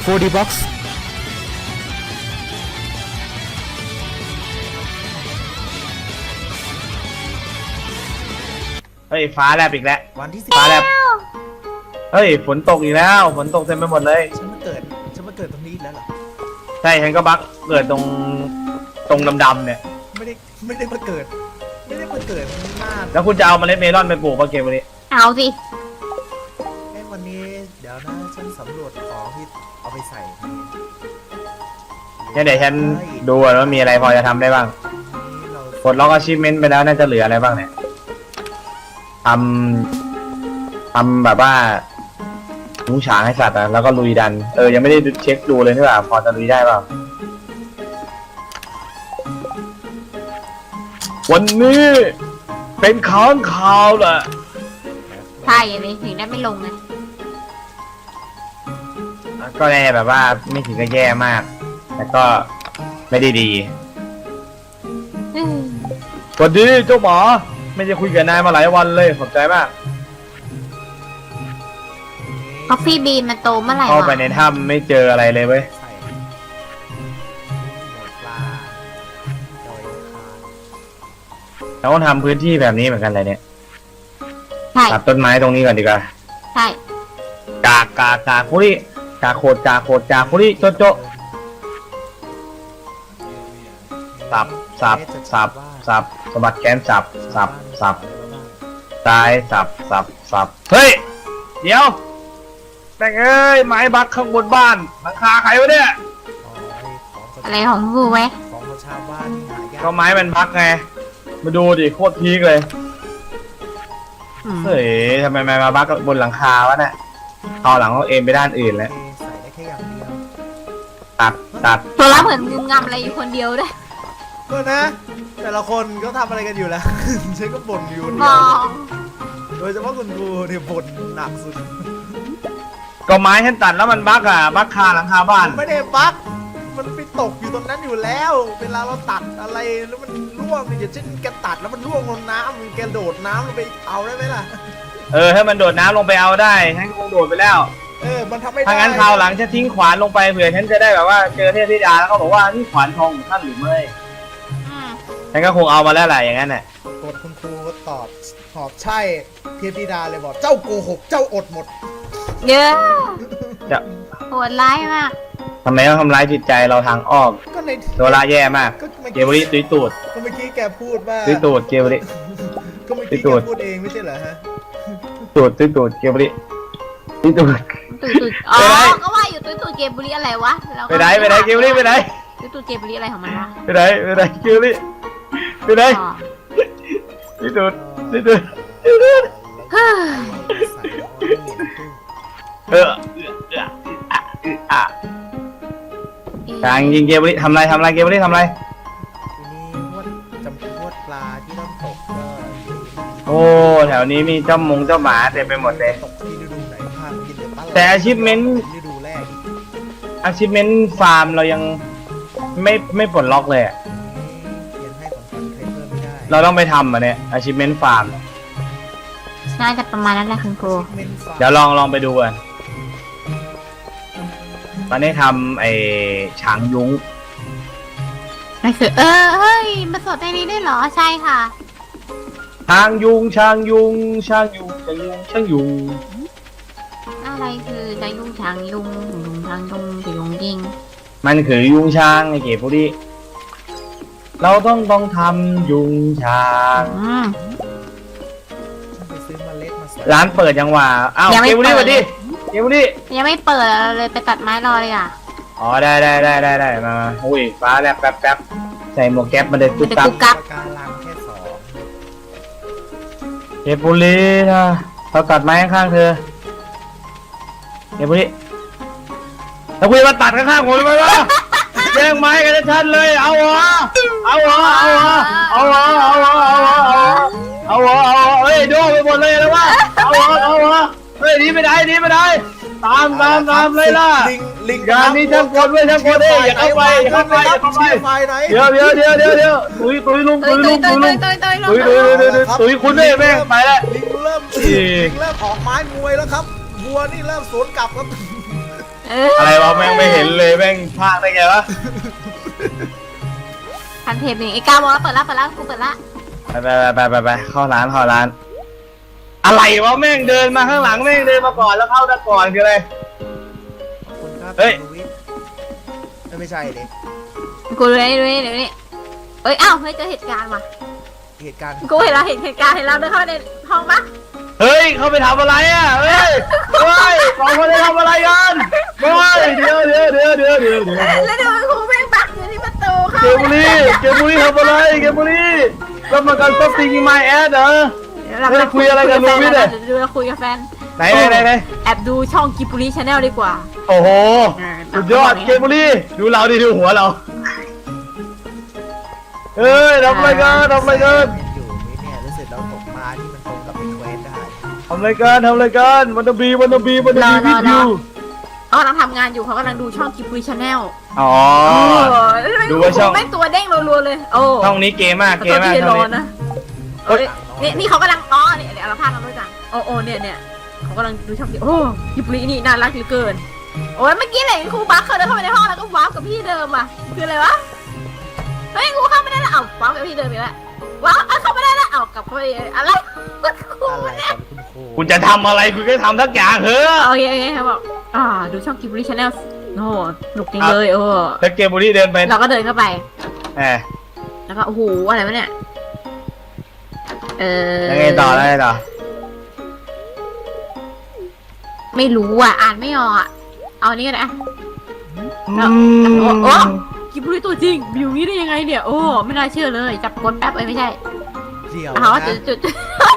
4D Box เฮ้ยฟ้าแลบอีกแล้ววันที่ฟ้าแลบเฮ้ยฝนตกอีกแล้วฝนตกเต็มไปหมดเลยฉันมาเกิดตรงนี้อีกแล้วเหรอใช่ฉันก็บักเกิดตรงดำๆเนี่ยไม่ได้มาเกิดหน้าแล้วคุณจะเอาเมล็ดเมลอนไปปลูกป่ะเกมวันนี้เอาสิวันนี้เดี๋ยวนะฉันสำรวจของที่เอาไปใส่งั้นเดี๋ยวฉันดูก่อนว่ามีอะไรพอจะทำได้บ้างนี่เรากดล็อกอาชีพเมนต์ไปแล้วน่าจะเหลืออะไรบ้างเนี่ยทำแบบว่าลุงฉางให้สัตว์อะแล้วก็ลุยดันยังไม่ได้เช็คดูเลยนี่หว่าพอจะลุยได้เปล่าวันนี้เป็นค้างคาวแหละใช่เลยถึงได้ไม่ลงไงก็แย่แบบว่าไม่ถึงกับแย่มาก แต่ก็ไม่ได้ดีอืมสวัสดีเจ้าหมาไม่ได้คุยกับนายมาหลายวันเลยขอบใจมากคอฟฟี่บีนมันโตเมื่อไหร่เข้าไปวะในถ้ำไม่เจออะไรเลยเว้ยใส่หมดปลาดอยคาเราต้องทำพื้นที่แบบนี้เหมือนกันเลยเนี่ยใช่ตัดต้นไม้ตรงนี้ก่อนดีกว่าใช่กากคุริกาโคดกาคุริโจโจสับสะบัดแขนสับซ้ายสับเฮ้ยเดี๋ยวแม่งเอ้ยไม้บักข้างบนบ้านหลังคาใครวะเนี่ยอะไรของกูไว้ของชาวบ้านนี่หายากก็ไม้มันพักไงมาดูดิโคตรพีคเลยอืมเฮ้ยทำไมมาบักบนหลังคาวะเนี่ยเอาหลังเขาเอ็นไปด้านอื่นแล้วใส่ได้แค่อย่างเดียวตัดตัวละเหมือนงุมงำอะไรอยู่คนเดียวด้วยก็นะ แต่ละคนก็ทำอะไรกันอยู่แล้ว ฉันก็บ่นอยู่คนมเดียอวงโดยเฉพาะคุณครูเนี่ยบ่นหนักสุดก็ไม้ฉันตัดแล้วมันบักบักคาหลังคาบ้านไม่ได้บั๊กมันไปตกอยู่ตรงนั้นอยู่แล้ว เวลาเราตัดอะไรแล้วมันร่วงอย่างเช่นแกตัดแล้วมันร่วงลงน้ำแกโดดน้ำลงไปเอาได้ไหมล่ะถ้ามันโดดน้ำลงไปเอาได้ฉันคงโดดไปแล้วมันทำไม่ได้ถ้างั้นคราวหลังฉันทิ้งขวานลงไปเผื่อฉันจะได้แบบว่าเจอเทพธิดาแล้วเขาบอกว่านี่ขวานทองของท่านหรือไม่อืมฉันก็คงเอามาแล้วแหละอย่างนั้นน่ะกดคุณครูก็ตอบใช่เทพธิดาเลยบอกเจ้าโกหกเจ้าอดหมดเยอะจะโหดร้ายมากทำไมต้องทำร้ายจิตใจเราทางอ้อมก็ในโดราแย่มากก็เมื่อเกวริตุยตูดก็เมื่อกี้แกพูดว่าตุยตูดเกวริก็เมื่อกี้ตุแกยตูดพูดเองไม่ใช่เหรอฮะตุยตูดเกวริตุยตูดตุยอ๋อไปไหนก็ว่าอยู่ตุยเกมบุรีอะไรวะแล้วก็ไปไหนเกวริไปไหนตุยเกมบุรีอะไรของมันวะไปไหนเกวริไปไหนอ๋อตุยตูดตุยตูดเฮ้ยใส่แล้วเอาเหรียญตู้ทางยิงเกวริทำไรเกวริทำไรทีนี้พวดจำพวดปลาที่ต้องตกก็โอ้แถวนี้มีเจ้ามงเจ้าหมาเต็มไปหมดเลยตกที่ฤดูไหนภาคกินเดือดปลาแต่ achievement ฤดูแรกอีก achievement ฟาร์มเรายังไม่ปลดล็อกเลยอะเขียนให้ของคนใครเพิ่มไม่ได้เราต้องไปทำเนี่ย achievement ฟาร์มน่าจะประมาณนั้นแหละคุณครูเมนฟ้าเดี๋ยวลองไปดูกันตอนนี้ทำไอ้ฉางยุ้งนั่นคือเฮ้ยมาสดในนี้ได้วยเหรอใช่ค่ะช้างยุงอะไรคือจะยุ่งช้างยุ่งช้างยุ่งจะยุ่งยิงมันคือยุงช้างไอ้เก๋พวกนี้เราต้องทำยุงช้างอืมไปซื้อเมล็ดมาใส่ร้านเปิดยังว่าอ้าวยังไม่เก๋พวกนี้เปิสดวัสดีเก๋พวกนี้ยังไม่เปิดเลยไปตัดไม้รอเลยอ่ะอ๋อได้มาอุ้ยฟ้าแลบแป๊บใส่หมวกแก๊ปมาเลยตุ๊บตับปากการังแค่สองเก๋พวกนี้นะเราตัดไม้ข้างๆเธอเก๋พวกนี้แล้วคุยมาตัดข้างๆผมทำไมวะแย่งไม้กันชัดเลยเอาเหรอเฮ้ยโดนไปหมดเลยแล้ววะเอาเหรอเฮ้ยนี่ไม่ได้ตามเลยล่ะลิงงานนี้ช่างกลด้วยอย่าเข้าไปไฟไหนเดี๋ยวตุยลุงตุยคุณด้วยแม่งไปแล้วลิงเริ่มออกไม้มวยแล้วครับวัวนี่เริ่มสวนกลับครับอะไรวะแม่งไม่เห็นเลยแม่งพลาดได้ไงวะคันเทปนี่ไอ้ก้าวบอกแล้วเปิดละกูเปิดละไปเข้าร้านอะไรวะแม่งเดินมาข้างหลังแม่งเดินมาก่อนแล้วเข้าด้านก่อนคืออะไรคุณครับเฮ้ยคุณวิทย์ไม่ใช่ดิกูดูนี่เดี๋ยวนี้เอ้ยอ้าวเฮ้ยเจอเหตุการณ์ว่ะเหตุการณ์กูเห็นเราเห็นเหตุการณ์เห็นเราเดินเข้าไปในห้องปะเฮ้ยเขาไปทำอะไรอ่ะเฮ้ยสองคนได้ทำอะไรกันเฮ้ยเดี๋ยวแล้วเดี๋ยวครูแม่งบักอยู่ที่ประตูเข้าเกมบุรีทำอะไรเกมบุรีรับประกันซับซิงไมแอดเหรอ เฮ้ยคุยอะไรกันลูวิทย์เนี่ยดูเราคุยกับแฟนไหนแอบดูช่องกิปุริชาแนลดีกว่าโอ้โหสุดยอดเกมบุรีดูเราดิดูหัวเราเฮ้ยทำอะไรกันอยู่ไหมเนี่ยรู้สึกเราตกปลาที่มันตรงกับเป็นเควสได้ทำอะไรกันวันนบีวิดยูเขากำลังทำงานอยู่เขากำลังดูช่องกิปุริชาแนลอ๋อ ดูดูว่าช่องแม่งตัวเด้งรัวๆเลยโอ้ช่องนี้เกมมากตัวที่ช่ร้องอนนี้นะเฮ้ยนี่เขากำลังเนี่ยเดี๋ยวเราพากันด้วยจังโอ้เนี่ยเขากำลังดูช่องกิกิปุรินี่น่ารักเหลือเกินโอ้ยเมื่อกี้เลยครูบักเคยเดินเข้าไปในห้องแล้วก็วาร์ปกับพี่เดิมอ่ะคืออะไรวะเฮ้ยครูเข้าไม่ได้แล้ววาร์ปกับพี่เดิมอีกแล้วว้าวเข้าไม่ได้แล้วกลับเข้าไปอะไรครูอะไรเนี่ยครับคุณครูคุณจะทำอะไรคุณก็ทำทักอย่างเถอะโอเคเขาบอกดูช่องกิบลิชแนลโอ้โหสนุกจริงเลยถ้าเกมบุรีเดินไปเราก็เดินเข้าไปแหมแล้วก็โอ้โหอะไรวะเนี่ยยังไงต่อไม่รู้อ่ะอ่านไม่ออกอ่ะเอาอันนี้ก็ได้โอ้กิบลิตัวจริงบิวนี้ได้ยังไงเนี่ยโอ้ไม่น่าเชื่อเลยจับกดแป๊บไม่ใช่เดี๋ยวเขาว่านะจุด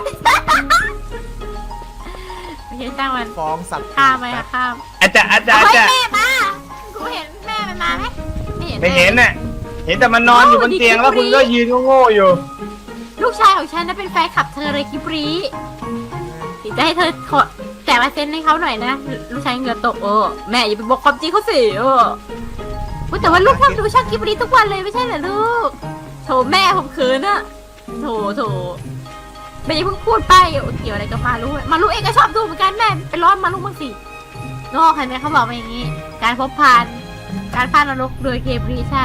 ไม่ใช่จ้างมันฟ้องสัตว์ข้ามไหมข้ามอาจารย์เฮ้ยแม่มากูเห็นแม่มันมาไหมไม่เห็นน่ะเห็นแต่มันนอนอยู่บนเตียงแล้วคุณก็ยืนโง่ๆอยู่ลูกชายของฉันน่ะเป็นแฟนคลับเธอเลยกิบรีจะให้เธอขอแต่มาเซ็นให้เขาหน่อยนะลูกชายเหงื่อตกแม่อย่าไปบอกความจริงเขาสิแต่ว่าลูกทำดูช่างกิบรีทุกวันเลยไม่ใช่เหรอลูกโถแม่ผมเขินอะโถแม่อย่าเพิ่งพูดไปเกี่ยวอะไรกับมาลูกเองก็ชอบดูเหมือนกันแม่ไปร้อนมาลูกบ้างสิโน่ใครแม่เขาบอกมาอย่างนี้การพบผ่านการพานนรกโดยเกบรีใช่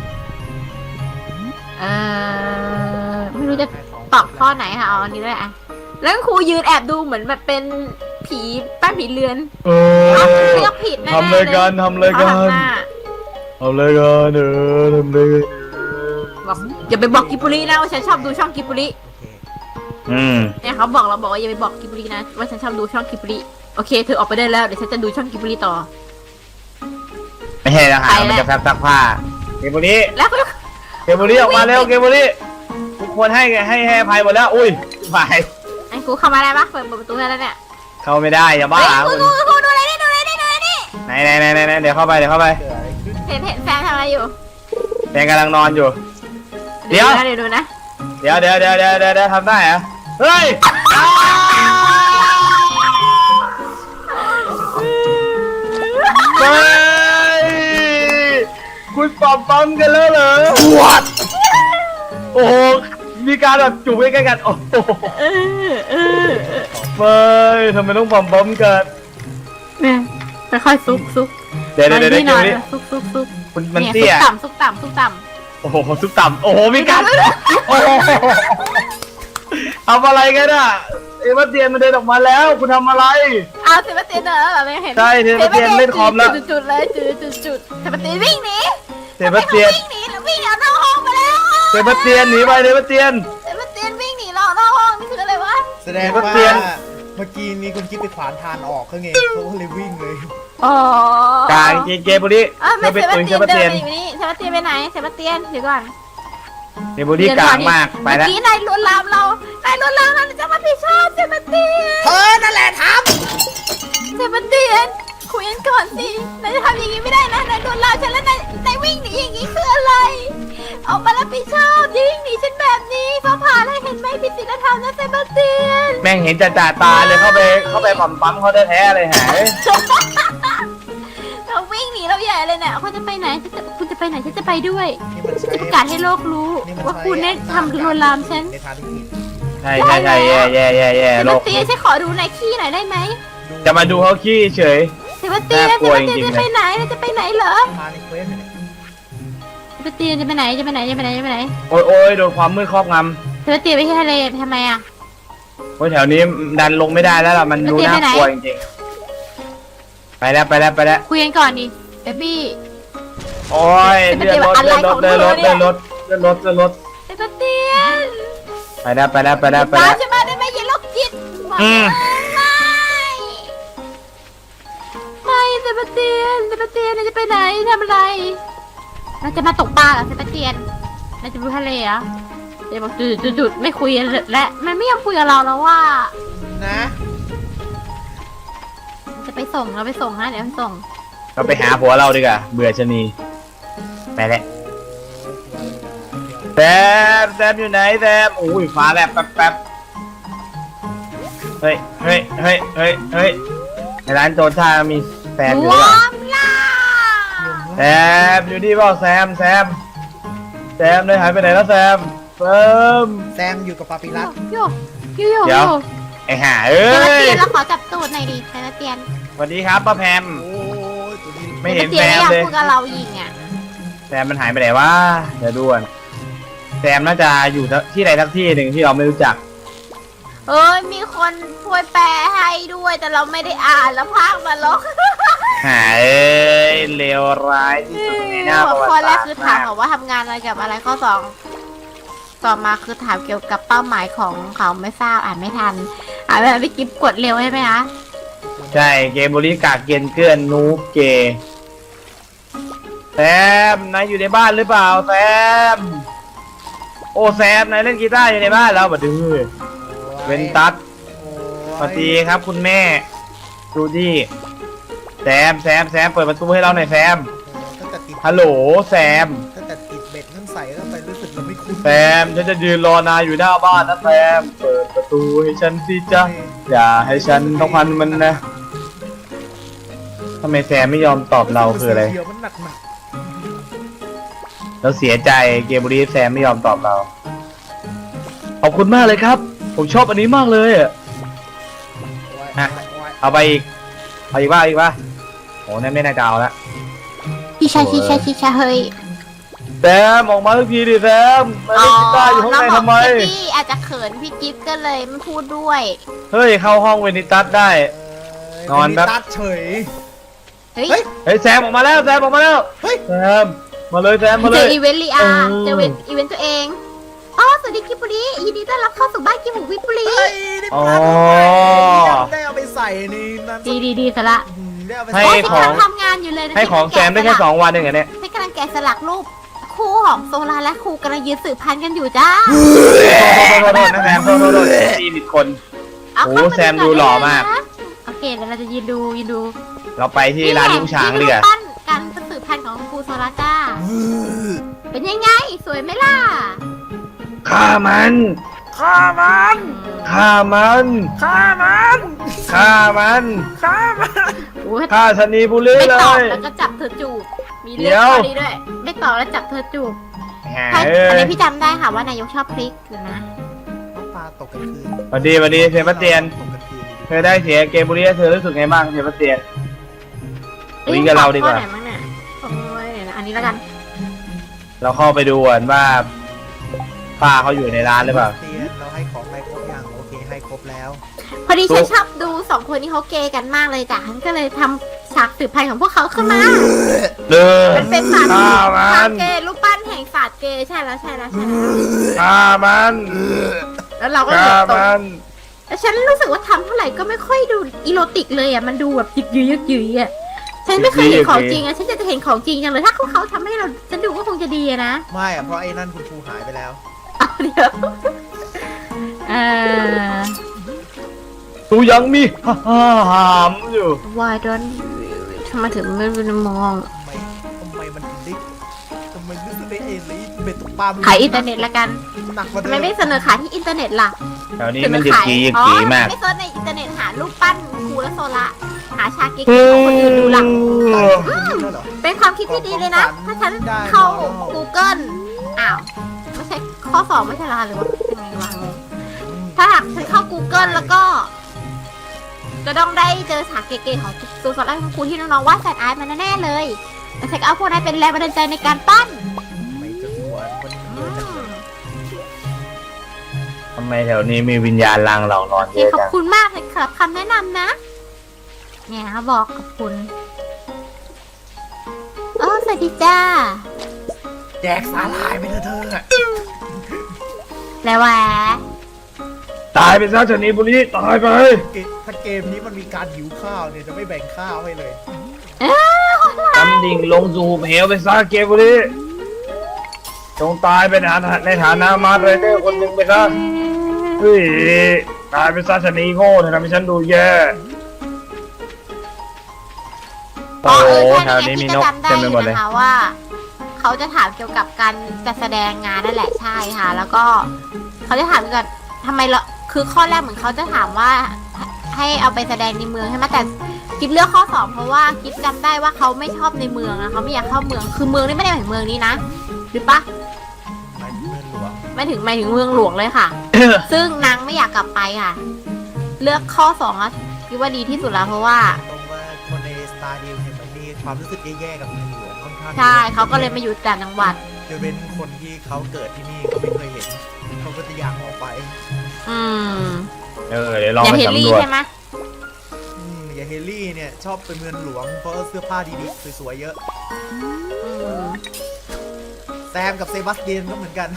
ไม่รู้จะตอบข้อไหนค่ะเอาอันนี้ด้วยอะแล้วครูยืนแอบดูเหมือนแบบเป็นผีป้าผีเรือนเลือกผิดแน่ๆเลยทำเลยกันบอกอย่าไปบอกกิบรีนะว่าฉันชอบดูช่องกิบรีเนี่ยเขาบอกเราบอกว่าอย่าไปบอกกิบรีนะว่าฉันชอบดูช่องกิบรีโอเคเธอออกไปได้แล้วเดี๋ยวฉันจะดูช่องกิบรีต่อไม่ใช่แล้วค่ะมันจะแฟบซักผ้าเกมบุรีแล้วก็ออกมาเร็วเกมบุรีทุกคนให้อภัยหมดแล้วอุ้ยไปไอ้ครูเข้ามาได้ปะเปิดประตูได้แล้วเนี่ยเข้าไม่ได้อย่าบ้าครูดูอะไรนี่ไหนเดี๋ยวเข้าไปเกิดอะไรขึ้นเห็นแฟนทำอะไรอยู่แฟนกำลังนอนอยู่ เดี๋ยวดูนะเดี๋ยวทำได้เหรอเฮ้ยคุณปั๊มกันแล้วเหรอวัดโอ้โหมีการแบบจูบใกล้ๆกันโอ้โหไม่ทำไมต้องปั๊มกันเนี่ยค่อยๆซุกเดี๋ยวซุกคุณมันเตี้ยซุกต่ำโอ้โหซุปต่ำโอ้โหมีการโอ้โหทำอะไรกันอ่ะเอเวอร์เตียนมันเดินออกมาแล้วคุณทำอะไรเอาเซบาสเตียนเหรอไม่เห็นใช่เซบาสเตียนเล่นคอมแล้วจุดเลยจุดเซบาสเตียนวิ่งหนีเซบาสเตียนวิ่งหนีแล้ววิ่งเอานอกห้องไปแล้วเซบาสเตียนหนีไปเซบาสเตียนวิ่งหนีเรานอกห้องนี่คืออะไรวะแสดงว่าเมื่อกี้นี้คุณคิดไปขวานทานออกเขาไงเขาก็เลยวิ่งเลยอ๋อกลางเกมบุรีไม่เซบาสเตียนเดินอยู่นี่เซบาสเตียนไปไหนเซบาสเตียนเดี๋ยวก่อนเกมบุรีกลางมากไปแล้วเมื่อกี้นายลวนลามเราจะมาผิดชอบเซบาสเตียนเธอนั่นแหละทำเซบาสเตียนคุยกันก่อนสินายจะทำอย่างนี้ไม่ได้นะนายลวนลามฉันแล้วนายวิ่งหนีอย่างนี้คืออะไรออกมารับผิดชอบอย่าวิ่งหนีฉันแบบนี้ฟ้าผ่าอะไรเห็นไหมผิดศีลธรรมนะเซบาสเตียนแม่งเห็นจ่าตาเลยเข้าไปปั๊มเขาแท้ๆเลยหายเราวิ่งหนีเราใหญ่เลยเนี่ยคุณจะไปไหนคุณจะไปไหนฉันจะไปด้วยจะประกาศให้โลกรู้ว่าคุณได้ทำลวนลามฉันในทางที่ผิดใช่แย่เซบาสเตียนฉันขอดูนายขี้หน่อยได้ไหมจะมาดูเขาขี้เฉยเซบาสเตียนน่ากลัวจริงๆจะไปไหนจะไปไหนเหรอมาในเควสเนี่ยเซบาสเตียนจะไปไหนจะไปไหนจะไปไหนจะไปไหนโอ้ยโอ้ยโดนความมืดครอบงเซบาสเตียนไปที่ทะเลทำไมอ่ะำโอ้ยแถวนี้ดันลงไม่ได้แล้วล่ะมันดูแล้วเจ๊น่าไปไหนกลัวจริงๆไปแล้วไปแล้วไปแล้วคุยกันก่อนดิเบบี้โอ้ยเจ๊เลื่อนรถอะไรเลื่อนรขอถงเลื่อนรถเธอเนี่เลื่อย นรถเลื่อนรถเลื่อนรถเซบาสเตียนไปแล้วไปแล้วไปแล้วไปตาแล้มวฉันมาได้ไหมอย่าโรคจิตอืมไม่เซบาสเตียนเราจะไปไหนทำอะไรเราจะมาตกปลาเหรอเซบาสเตียนเราจะไปทะเลเหรอเดี๋ยวบอกจุดไม่คุยกันและมันไม่ยอมคุยกับเราแล้วว่านะจะไปส่งเราไปส่งนะเดี๋ยวไปส่งเราไปหาผัวเราดีกว่าเบื่อชะนีไปแล้วแซมอยู่ไหนแซมโอ้ยฟ้าแลบแป๊บแป๊บเฮ้ยเฮ้ยเฮ้ยเฮ้ยเฮ้ยในร้านโจท่ามีแซมอยู่หรือเปล่าล่าแซมอยู่นี่เปล่าแซมเลยหายไปไหนแล้วแซมแซมอยู่กับปาปิรัสโยโยเดี๋ยว ไอ้ห่าเอ้เซบาย สเตียนเราขอจับตูดหน่อยดิเซบาสเตียนสวัสดีครับป้าแพมโอ้ยตัวนี้ไม่เห็นเซแซบาสมเตียนเลยไม่อยากคุยกับเรายิงอ่ะแซมมันหายไปไหนวะเดี๋ยวด่วนแซมน่าจะอยู่ที่ใดทักที่หนึ่งที่เราไม่รู้จักเอ้ยมีคนช่วยแปลให้ด้วยแต่เราไม่ได้อ่านแล้วพากมาลกหาเอ้ยเลวร้ายที่สุดในหน้าประวัติข้อแรศาก สตร์คือถามบอกว่าทำงานอะไรกับอะไรข้อสองต่อมาคือถามเกี่ยวกับเป้าหมายของเขาไม่ทราบอ่านไม่ทันอ่านแบบพี่กิ๊บกดเร็วใช่ไหมคะใช่เกมบริกากเกียนเกื้อนนูบเกย์แซมนายอยู่ในบ้านหรือเปล่าแซมโอ้แซมนายเล่นกีตาร์อยู่ในบ้านแล้วบัดดื้อเวนตัสสวัสดีครับคุณแม่ดูดิแซมเปิดประตูให้เราหน่อยแซมตั้งแต่ติดฮัลโหลแซมตั้งแต่ติดเบ็ดนั่นใส่เข้าไปรู้สึกเราไม่คุ้นแซมฉันจะยืนรอนายอยู่หน้าบ้านนะแซมเปิดประตูให้ฉันสิจ๊ะอย่าให้ฉันต้องพันมันนะทำไมแซมไม่ยอมตอบเราคืออะไรเดี๋ยวมันหนักเราเสียใจเกมบุรีแซมไม่ยอมตอบเราขอบคุณมากเลยครับ ผมชอบอันนี้มากเลยอะๆฮะ เอาไปอีกเอาอีกว่าโอ้นั่นไม่น่าจะเอาละชิชาเฮ้ยแซมออกมาสักทีดิแซมมาเล่นกีตาร์อยู่ข้างในทำไมพี่อาจจะเขินพี่กิ๊บก็เลยไม่พูดด้วยเฮ้ยเข้าห้องเวนิตัสได้ นอนแป๊บตัดเฉยเฮ้ยเฮ้ยเฮ้ยแซมออกมาแล้วแซมออกมาแล้วเฮ้ยแซมมาเลยแซมมาเลเจอย อีเวนต์ลีอาเออเจออีเวนต์ตัวเองอ๋อสวัสดีกิบบุรียินดีต้อนรับเข้าสู่บ้านกิบบุรีบุรีเฮ้ยได้ปลาอ๋อได้เอาไปใส่ในนั้นดีซะละได้เอาไปให้ใส่โอ้ยของฉันทำงานอยู่เลยนะให้ของแซมได้แค่2 วันเองเหรอเนี่ยฉันกำลังแกะสลักรูปคู่ของโซลาและครูกำลังยืนสืบพันธุ์กันอยู่จ้าโทษนะแซมโทษตีผิดคนเอาโอ้เข้ามาแซมดูหล่อมากนะโอเคเดี๋ยวเราจะยืนดูเราไปที่ร้านลุงช้างดีกว่านี่แหละปั้นการสืบพันธุ์ของครูโซลาจ้า เป็นยังไง สวยไหมล่ะฆ่ามันฆ่ามันฆ่ามันฆ่ามันฆ่ามันฆ่ามันโอ้ยฆ่าชนีบุรีไม่เลตอบยแล้วก็จับเธอจูบ มีเดี๋เรื่องยวข้อนี้ด้วย ไม่ตอบแล้วจับเธอจูบหาใช่เอ้อันยนี้พี่จำได้ค่ะว่านายกชอบพริกอยู่นะปลาตกกลางคืนสวัสดีเซบาสเตียนตกกลางคืนเธอได้เสียเกมบุรีเธอรู้สึกไงบ้างเซบาสเตียนคุยกับเราดีกว่าข้อไหนบ้างเนี่ยโอ้ยเดี๋ยวนะอันนี้แล้วกันเราเข้าไปดูก่อนว่าป้าเขาอยู่ในร้านหรือเปล่าเตียนเราให้ของไปครบยังโอเคให้ครบแล้วพอดีตุ๊ฉันกชอบดูสองคนนี้เขาเกย์กันมากเลยจ้ะฉันก็เลยทำฉากสืบพันธุ์ของพวกเขาขึ้นมาเดินมันเป็นศาสตร์ฆ่ามัทางนเกย์รูปปั้นแห่งศาสตร์เกย์ใช่แล้วฆ่ามันแล้วเราก็ฆ่าเดือดตกมันแต่ฉันรู้สึกว่าทำเท่าไหร่ก็ไม่ค่อยดูอีโรติกเลยอ่ะมันดูแบบยึกยืยอ่ะฉันไม่เคยเห็นของจริงอ่ะฉันจะเห็นของจริงจังเลยถ้าเขาทำให้เราฉันดูก็คงจะดีอะนะไม่อะเพราะไอ้นั่นคุณครูหายไปแล้วเอาเดี๋ยวเอ่อตูยังมีหามอยู่ why don't ทำไมถึงไม่มองทำไมมันถึงได้ทำไมรู้สึกได้เองเลยเบ็ดตกปลาขายอินเทอร์เน็ตละกันหนักกว่าทำเดิไมไม่เสนอขายที่อินเทอร์เน็ตล่ะแถวนี้มันยึกกียึกกีมากไม่เซิร์ชในอินเทอร์เน็ตหารูปปั้นครูและโซละหาชาเก๊กของคนอื่นดูล่ะคุณนี่แล้วเหรอเป็นความคิดที่ดีเลยนะ ถ้าฉันเข้า Google อ้าว ไม่ใช่ข้อสองไม่ใช่เหรอหรือว่ายังไงวะถ้าหากฉันเข้า Google แล้วก็จะต้องได้เจอฉากเก๋ๆของตัวสอนของครูที่น้องๆวาดแฟนอาร์ตมาแน่ๆเลยแล้วฉันก็เอาพวกนั้นเป็นแรงบันดาลใจในการปั้นไม่จะหัวมันเยอะจังเลยทำไมแถวนี้มีวิญญาณลางหลอกนอนเยเฮ้ยอะขอบจังคุณมากเลยครับคำแนะนำนะเนี่ยเขาบอกขอบคุณสวัสดีจ้าแจกสาหร่ายไปเถอะเธออะแล้วแหวะตายไปซะชนีบุรีตายไปถ้าเกมนี้มันมีการหิวข้าวเนี่ยจะไม่แบ่งข้าวให้เลยดำดิ่งลงสู่เหวไปซะเกมบุรีจงตายไปในฐานะมาร์ไรเดอร์คนหนึ่งไปซะเฮ้ยตายไปซะชนีโง่เธอทำให้ฉันดูแย่โอ้โหแถวนี้มีนกจำได้เต็มอไปยู่หมดเลยนะคะว่าเขาจะถามเกี่ยวกับการจัดแสดงงานนั่นแหละใช่ค่ะ แล้วก็เขาจะถามเกี่ยวกับทำไมเราคือข้อแรกเหมือนเขาจะถามว่าให้เอาไปแสดงในเมืองใช่ไหมแต่กิ๊บเลือกข้อ 2เพราะว่ากิ๊บจำได้ว่าเขาไม่ชอบในเมืองนะเขาไม่อยากเข้าเมืองคือเมืองนี่ไม่ได้หมายถึงเมืองนี้นะหรือปะหมายถึงเมืองหลวงหมายถึงเมืองหลวงเลยค่ะ ซึ่งนางไม่อยากกลับไปค่ะ เลือกข้อ2อ่ะคิดว่าดีที่สุดแล้วเพราะว่าตรงว่าคนในสตาร์ดิวเห็นไหมมีความรู้สึกแย่ๆกับเมืองหลวงค่อนข้างใช่เขาก็เลยมาอยู่ต่างจังหวัดจะเป็นคนที่เขาเกิดที่นี่เขาไม่เคยเห็นเขาก็จะอยากออกไปอืมเดี๋ยวลองอย่าไปเฮลสำลี่รวจใช่ไหมอย่างเฮลลี่เนี่ยชอบไปเมืองหลวงเพราะเสื้อผ้าดีๆสวยๆเยอะอืมแซมกับเซบาสเตียนก็เหมือนกัน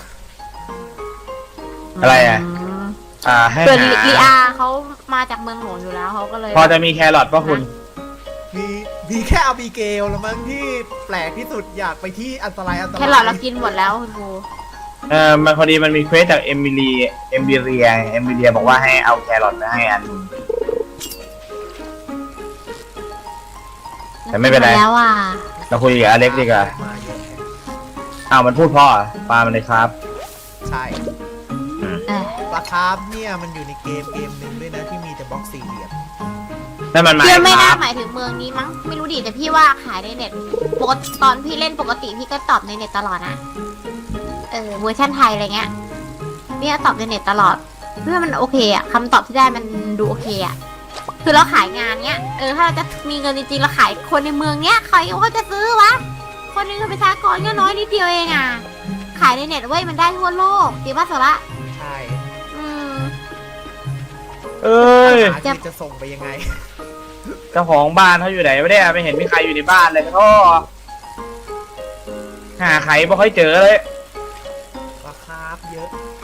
อะไรอ่ะมให้ส่วนหาลีอาเขามาจากเมืองหลวงอยู่แล้วเขาก็เลยพอจะมีแครอทป่ะคุณมีแค่อาบิเกลแล้วมั้งที่แปลกที่สุดอยากไปที่อันตรายแค่หลอดเรากินหมดแล้วคุณครูมันพอดีมันมีเควสจากเอมิเรียบอกว่าให้เอาแครอทไปให้อัน แต่ไม่เป็นไรแล้วอ่ะเราคุยกับอเล็กดีกว่ามาเยอะแยะอ้าวมันพูดพ่อปลามันเลยครับใช่เออปลาคาร์ฟเนี่ยมันอยู่ในเกมหนึ่งด้วยนะที่มีแต่บล็อกสี่เหลี่ยมนั่นมันหมายพี่ไม่คน่ารับหมายถึงเมืองนี้มั้งไม่รู้ดิแต่พี่ว่าขายในเน็ตปกติตอนพี่เล่นปกติพี่ก็ตอบในเน็ตตลอดนะเวอร์ชันไทยอะไรเงี้ยพี่ก็ตอบในเน็ตตลอดเพื่อมันโอเคอะคำตอบที่ได้มันดูโอเคอะคือเราขายงานเนี้ยถ้าเราจะมีเงินจริงๆเราขายคนในเมืองเนี้ยใครเขาจะซื้อวะคนหนึงประชากรก็น้อยนิดเดียวเองอะขายในเน็ตเว้ยมันได้ทั่วโลกจริงป่ะสาระใช่อืมเอ้ยหาที่จะส่งไปยังไงเจ้าของบ้านเขาอยู่ไหนไม่ได้ไม่เห็นมีใครอยู่ในบ้านเลยพ่อหาใครไม่ค่อยเจอเลยปลาคาร์ฟเยอะ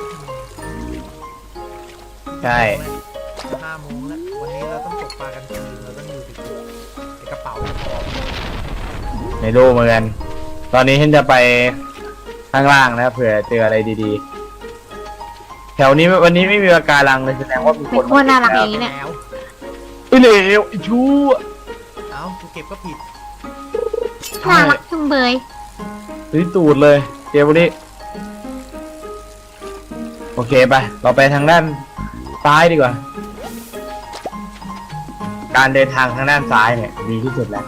ใช่ 5 โมงแล้ววันนี้เราต้องตกปลากันคืนเราต้องอยู่ดึกๆในกระเป๋าจะพอไม่รู้เหมือนกัน ตอนนี้ฉันจะไปข้างล่างนะเผื่อเจออะไรดีๆ แถวนี้วันนี้ไม่มีปะการังเลยแสดงว่ามีคเป็นนคนน่ารักอย่างนี้เนี่ยแล้วไอ้เหลวไอ้ชั่วเอ้ากูเก็บก็ผิดน่ารักจุงเบยซื้อตูดเลยเกมนี้โอเคไปเราไปทางด้านซ้ายดีกว่า การเดินทางทางด้านซ้ายเนี่ยดีที่สุดแล้ว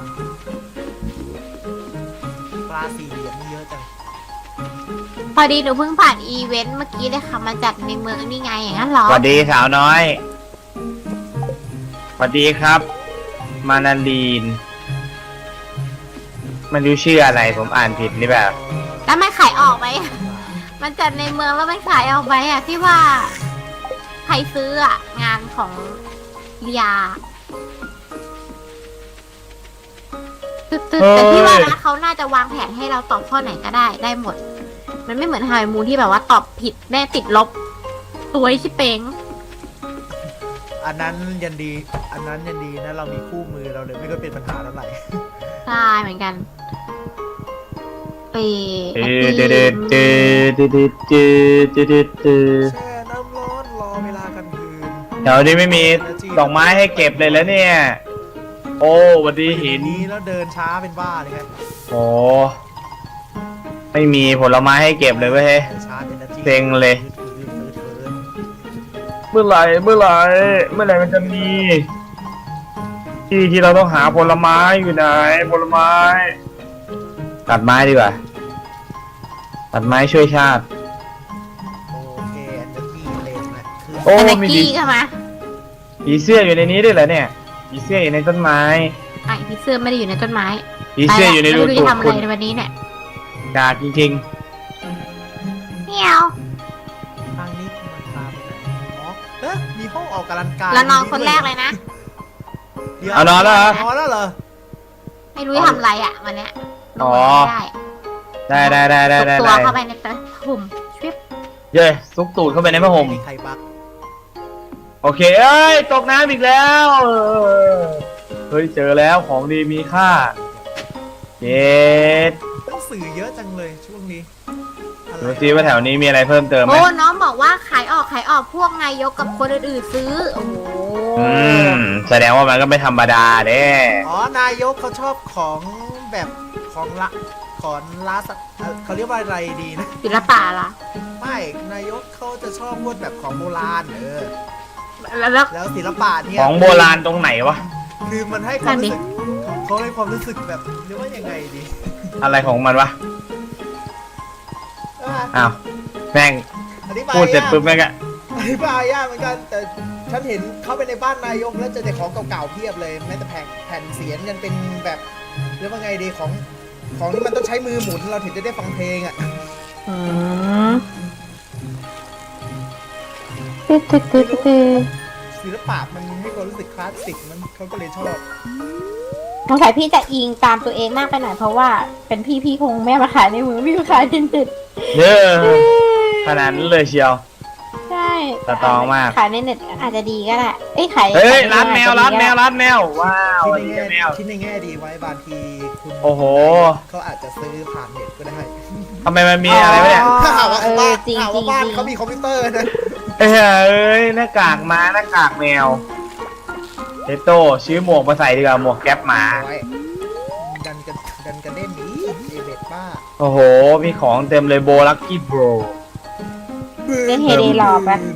ปลาสี่เหลี่ยมนี่เยอะจังพอดีหนูเพิ่งผ่านอีเวนต์เมื่อกี้เลยค่ะมาจัดในเมืองนี่ไงอย่างนั้นเหรอสวัสดีสาวน้อยสวัสดีครับ มานาลีนมันรู้ชื่ออะไรผมอ่านผิดหรือเปล่าแล้วมันขายออกไหม มันจัดในเมืองแล้วมันขายออกไหมอะที่ว่าใครซื้ออะงานของเลียแต่ที่ว่านะเขาน่าจะวางแผนให้เราตอบข้อไหนก็ได้หมด มันไม่เหมือนไฮมูนที่แบบว่าตอบผิดแม่ติดลบตัวชิเป้งอันนั้นยันดีนะเรามีคู่มือเราเลยไม่ก็เป็นปัญหาเท่าไหร่ใช่เหมือนกันไปเดืดแช่น้ำร้อนรอเวลากลางคืนแถวนี้ไม่มีดอกไม้ให้เก็บเลยแล้วเนี่ย โอ้สวัสดีหินนี้แล้วเดินช้าเป็นบ้าเลยครับโอ้ไม่มีผลไม้ให้เก็บเลยเว้ยเดินช้าเป็นนาทีเซ็งเลย เมื่อไหร่มันจะมีที่เราต้องหาผลไม้อยู่ไหนผลไม้ ตัดไม้ดีกว่า ตัดไม้ช่วยชาติโอเคอันจะมีเลนนะคือโอ้แม็กมีกี้ใช่ไหมผีเสื้ออยู่ในนี้ด้วยเหรอเนี่ยใผีเสื้ออยู่ในต้นไม้ไอ้ผีเสื้อไม่ได้อยู่ในต้นไม้ผีเสื้ออยู่ในรูไม่รู้ตูจะดทำอะคุไรณในวันนี้เนี่ยกากจริงเมียวทางนี้มันพาไปไหนอ๋อเอ๊ะมีห้องออกกำลังกายแล้วนอนคนแรกเลยนะดี๋ยวเอานอนแล้วเหรอนอนแล้วเหรอไม่รู้จะทำอะไรอ่ะวันเนี้ยอ๋อได้ได้ตัวเข้าไปในตะถุ่มชิบเย้ซุกตูดเข้าไปในผ้าห่มมีใครบักโอเคเอ้ยตกน้ำอีกแล้วเฮ้ยเจอแล้วของดีมีค่าเย็ดหนังสือเยอะจังเลยช่วงนี้อะไรดูซิว่าแถวนี้มีอะไรเพิ่มเติมไหมโอ้น้องบอกว่าขายออกพวกนายกกับคนอื่นๆซื้อ โอ้โหแสดงว่ามันก็ไม่ธรรมดาเด้อ๋อนายกเขาชอบของแบบของละของลาสเขาเรียกว่าอะไรดีนะศิลปะล่ะไม่นายกเขาจะชอบพวกแบบของโบราณแล้วแล้วศิลปะเนี่ยของโบราณตรงไหนวะคือมันให้ความรู้สึกเขาให้ความรู้สึกแบบเรียกว่ายังไงดีอะไรของมันวะอ้าวแม่งอธิบายพูดเสร็จปุ๊บแม่งอะอธิบายยากเหมือนกันแต่ฉันเห็นเข้าไปในบ้านนายกแล้วเจอแต่ของเก่าๆเพียบเลยแม้แต่แผ่นเสียงกันเป็นแบบเรียกว่าไงดีของที่มันต้องใช้มือหมุนเราถึงจะได้ฟังเพลงอ่ะ ศิลปะมันให้ความรู้สึกคลาสสิกมันเขาก็เลยชอบสงสัยพี่จะอิงตามตัวเองมากไปหน่อยเพราะว่าเป็นพี่คงแม่มาขายในมือพี่มาขายในเน็ตเยอะขนาดนั้นเลยเชียวใช่สตรองมากขายในเน็ตอาจจะดีก็ได้เอ้ยขายเฮ้ยขยในร้านแมวอจร้านจะแมดีวก็ได้ร้านแมวว้าวคิดในดีแง่แมวคิดในแง่ดีไว้บางทีคุณโอ้โหเขาอาจจะซื้อผ่านเน็ตก็ได้ทำไมมันมีอะไรวะเนี่ยถ้าหากว่าเออบ้านจริงหากจริว่าง บ้านจริงเขามีคอมพิวเตอร์นะเอ้ยหน้ากากม้าหน้ากากแมวเทโต้ซื้อหมวกมาใส่ดีกว่าหมวกแก๊ปหมาโอ้ยดันกันเล่นนี้เอเบดบ้าโอ้โห มีของเต็มเลยโบลักกี้โบรเล่นเฮเดหลอกปะ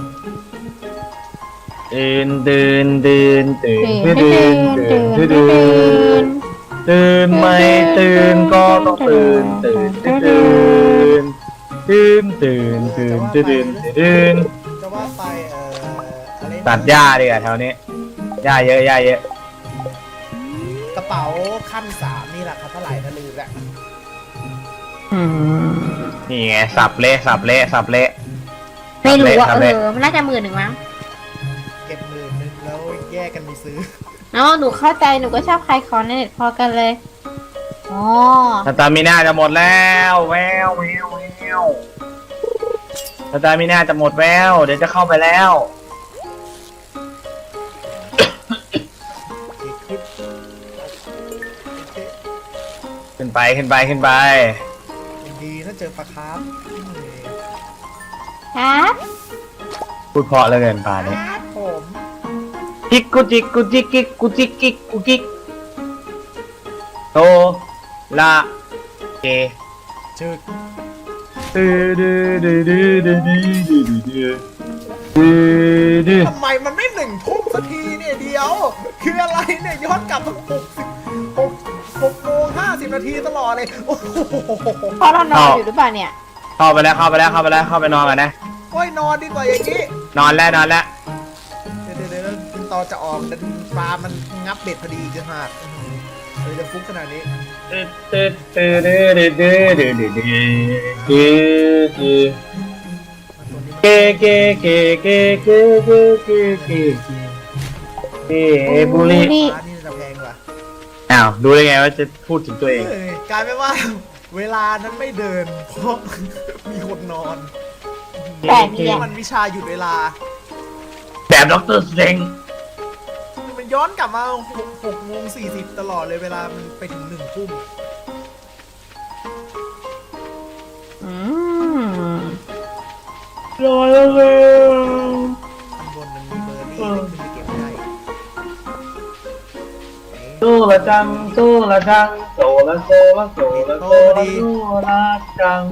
ตื่นตื่นตื่นตื่นตื่นตื่นตื่ตื่นนตื่ตื่นนตื่นไม่ตื่นก็ต้องตื่นตื่นตื่นตื่นตื่นตื่นตื่นตื่นตื่นจะว่าไปอะไรนะตัดหญ้าดีกว่าแถวนี้หญ้าเยอะหญ้าเยอะกระเป๋าขั้น3นี่แหละครับเท่าไหร่นะลืมละนี่ไงสับเละสับเละสับเละไม่รู้ว่าสับเละมันน่าจะ10,000มั้งเก็บ10,000แล้วแยกกันไปซื้อเนาะหนูเข้าใจหนูก็ชอบขายของในเน็ตพอกันเลยอ๋อสตามิน่าจะหมดแล้วแววแววแววสตามิน่าจะหมดแววเดี๋ยวจะเข้าไปแล้วเก็บคลิปโอเคขึ้นไปขึ้นไปขึ้นไปดีถ้าเจอปลาคาร์ฟครับพูดเพราะเหลือเกินป่านี้ครับผมจิกกุจิกกุจิกกิกกุจิกกิกกุกิกโตละเกจึกดื้อดื้อดื้อดื้อดื้อดื้อดื้อดื้อดื้อทำไมมันไม่1 ทุ่มสักทีเนี่ยเดียว คืออะไรเนี่ยย้อนกลับมา6 โมง 50 นาทีตลอดเลยโอ้โหเพราะเรานอนอยู่หรือเปล่าเนี่ยเข้าไปแล้วเข้าไปแล้วเข้าไปแล้วเข้าไปนอนกันนะโอ้ยนอนดีกว่าอย่างนี้นอนแล้วนอนแล้วเดี๋ยวตอนจะออกดันปลามันงับเบ็ดพอดีจะหักเลยจะฟุกขนาดนี้ตื้อตื้อตื้อดื้อดื้อดื้อดื้อดื้อดื้อดื้อดื้อ เกเกเกเกเกเกเกเกเกบุรีร้านนี้จะแพงกว่าอ้าวดูได้ไงว่าจะพูดถึงตัวเองกลายเป็นว่า เวลานั้นไม่เดิน เพราะมีคนนอนแต่เนี่ยมันวิชาหยุดเวลาแบบด็อกเตอร์สเตงมันย้อนกลับมา6 โมง 40 ตลอดเลยเวลามันไปถึง1 ทุ่มอืมรอแล้วเลยข้างบนมันมีเบอร์รี่ขึ้นไปเก็บได้โซละจังโซละจังโซละโซละโซละโซละโซละจัง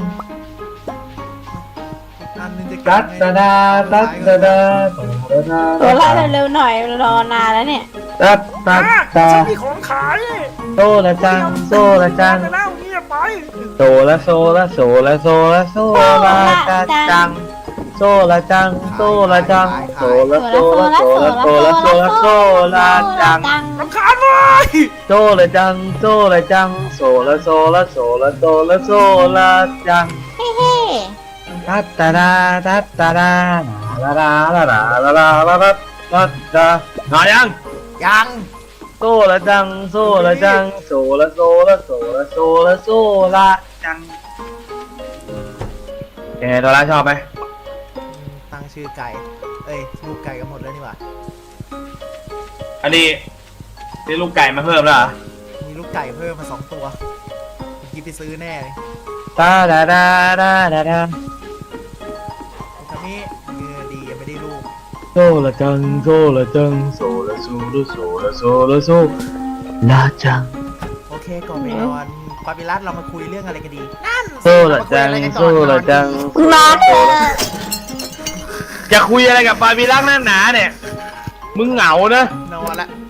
อันนึงจะตัดตะดาตัดตะดาโซละดาตัวละเร็วๆหน่อยรอนานแล้วเนี่ยตัดตัดตาฉันมีของขายโซละจังโซละจังไปแล้วเงียบไปโซละโซละโซละโซละโซละจังโซละจังโซละจังโซละโซละโซละโซละโซละโซละจังรำคาญเว้ยโซละจังโซละจังโซละโซละโซละโซละโซละจังเฮ้เฮ้ตัดตาดาตัดตาดาลาลาลาลาลาลาลาลาตัดตาหน่อยยังยังโซละจังโซละจังโซละโซละโซละโซละโซละจังยังไงตัวละชอบไหมตั้งชื่อไก่เอ้ยลูกไก่กันหมดแล้วนี่หว่าอันนี้นี่ลูกไก่มาเพิ่มแล้วเหรอมีลูกไก่เพิ่มมา2 ตัวเมื่อกี้ไปซื้อแน่เลยตาดาดาดาดาดาคำนี้ดียังไม่ได้ลูกโซละจังโซละจังโซละโซละโซละโซละโซละจังโอเคก่อนไปนอนปาปิรัสเรามาคุยเรื่องอะไรกันดีนั่นโซละจังโซละจังมาเถอะจะคุยอะไรกับบาร์บีรักนั่นหนาเนี่ยมึงเหงานะนอนละ